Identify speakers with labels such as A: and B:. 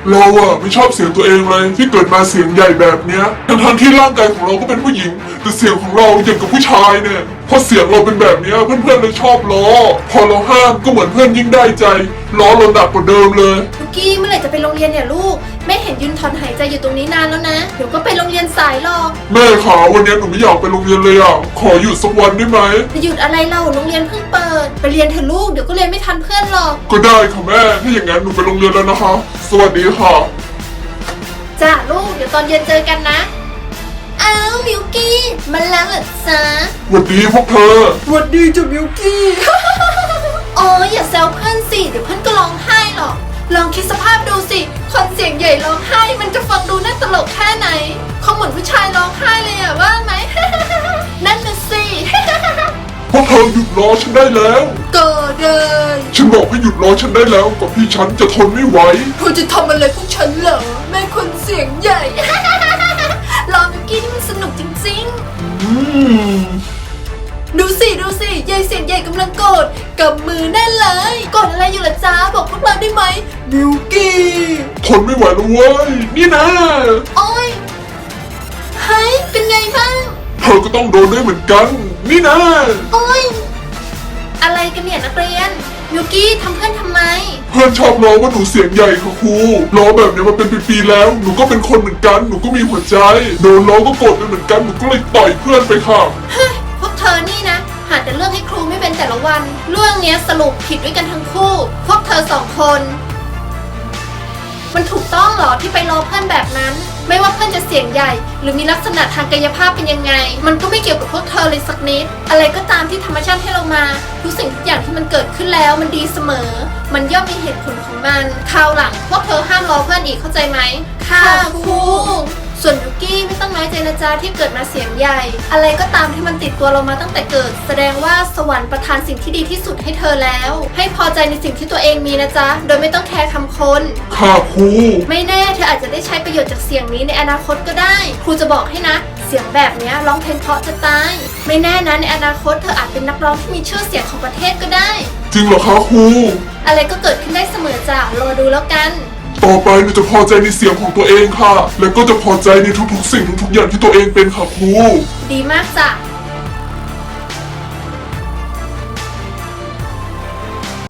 A: เราอะไม่ชอบเสียงตัวเองเลยที่เกิดมาเสียงใหญ่แบบเนี้ยทั้งที่ร่างกายของเราก็เป็นผู้หญิงแต่เสียงของเราอย่างกับผู้ชายเนี่ยพอเสียงเราเป็นแบบเนี้ยเพื่อนๆเลยชอบล้อพอเราห้ามก็เหมือนเพื่อนยิ่งได้ใจล้อเราหนักกว่าเดิมเลย
B: ลูกกี้เมื่อไหร่จะไปโรงเรียนเนี่ยลูกแม่เห็นยืนถอนหายใจอยู่ตรงนี้นานแล้วนะเดี๋ยวก็ไปโรงเรียนสายหรอก
A: แม่ขาวันนี้หนูไม่อยากไปโรงเรียนเลยอ่ะขอหยุดสักวันได้ไหม
B: จะหยุดอะไรเล่าโรงเรียนเพิ่งเปิดไปเรียนเถอะลูกเดี๋ยวก็เรียนไม่ทันเพื่อนหรอก
A: ก็ได้ค่ะแม่ถ้าอย่างนั้นหนูไปโรงเรียนแล้วนะคะสวัสดีค่ะ
B: จ้าลูกเดี๋ยวตอนเย็นเจอกันนะอ้าวมิวกี้มาแล้วเหรอจ๊ะ
A: สวัสดีพวกเธอ
B: สวัสดีจ้ะมิวกี้ อ๋ออย่าแซวเพื่อนสิเดี๋ยวเพื่อนก็ร้องไห้หรอกลองคิดสภาพดูสิคนเสียงใหญ่ร้องไห้มันจะฟังดูน่าตลกแค่ไหนเขาเหมือนผู้ชายร้องไห้เลยอะว่าไหม นั่นน่ะสิ
A: พวกเธอหยุดล้อฉันได้แล้ว
B: ก็ได้
A: ฉันบอกให้หยุดล้อฉันได้แล้วกับพี่ฉันจะทนไม่ไหว
B: เธอจะทำอะไรพวกฉันเหรอแม่คนเสียงใหญ่ ลองมิวกี้นี่มันสนุกจริงๆ
A: อืม
B: ดูสิยายเสียงใหญ่กำลังโกรธกับมือแน่นเลยโกรธอะไรอยู่ล่ะจ้าบอกพวกเราได้ไหมมิวกี้
A: ทนไม่ไหวแล้วเว้ยนี่นะ
B: โอ้ยเฮ้ยเป็นไงบ้าง
A: เธอก็ต้องโดนด้วยเหมือนกันนี่นะ
B: โอ้ยอะไรกันเนี่ยนักเรียนมิวกี้ทำเพื่อนทำไม
A: เพื่อนชอบล้อว่าหนูเสียงใหญ่ค่ะครูล้อแบบนี้มาเป็นปีๆแล้วหนูก็เป็นคนเหมือนกันหนูก็มีหัวใจโดนล้อก็โกรธไปเหมือนกันหนูก็เลยต่อยเพื่อนไปค่ะ
B: เฮ้ยพวกเธอนี่นะหาแต่เรื่องให้ครูไม่เป็นแต่ละวัน เรื่องเนี้ยสรุปผิดด้วยกันทั้งคู่ พวกเธอสองคน มันถูกต้องเหรอที่ไปล้อเพื่อนแบบนั้น ไม่ว่าเพื่อนจะเสียงใหญ่ หรือมีลักษณะทางกายภาพเป็นยังไง มันก็ไม่เกี่ยวกับพวกเธอเลยสักนิด อะไรก็ตามที่ธรรมชาติให้เรามาทุกสิ่งทุกอย่างที่มันเกิดขึ้นแล้วมันดีเสมอ มันย่อมมีเหตุผลของมันคราวหลังพวกเธอห้ามล้อเพื่อนอีกเข้าใจไหมค่ะครูส่วนยูกี้ไม่ต้องน้อยใจนะจ๊ะที่เกิดมาเสียงใหญ่ อะไรก็ตามที่มันติดตัวเรามาตั้งแต่เกิด แสดงว่าสวรรค์ประทานสิ่งที่ดีที่สุดให้เธอแล้ว ให้พอใจในสิ่งที่ตัวเองมีนะจ๊ะโดยไม่ต้องแคร์คำคน
A: ค่ะครู
B: ไม่แน่เธออาจจะได้ใช้ประโยชน์จากเสียงนี้ในอนาคตก็ได้ ครูจะบอกให้นะ เสียงแบบเนี้ยร้องเพลงเพราะจะตาย ไม่แน่นะในอนาคตเธออาจเป็นนักร้องที่มีชื่อเสียงของประเทศก็ได้
A: จริงเหรอคะครู
B: อะไรก็เกิดขึ้นได้เสมอจ้ะรอดูแล้วกัน
A: ต่อไปหนูจะพอใจในเสียงของตัวเองค่ะ แล้วก็จะพอใจในทุกๆสิ่งทุกๆอย่างที่ตัวเองเป็นค่ะครู
B: ดีมากจ้ะ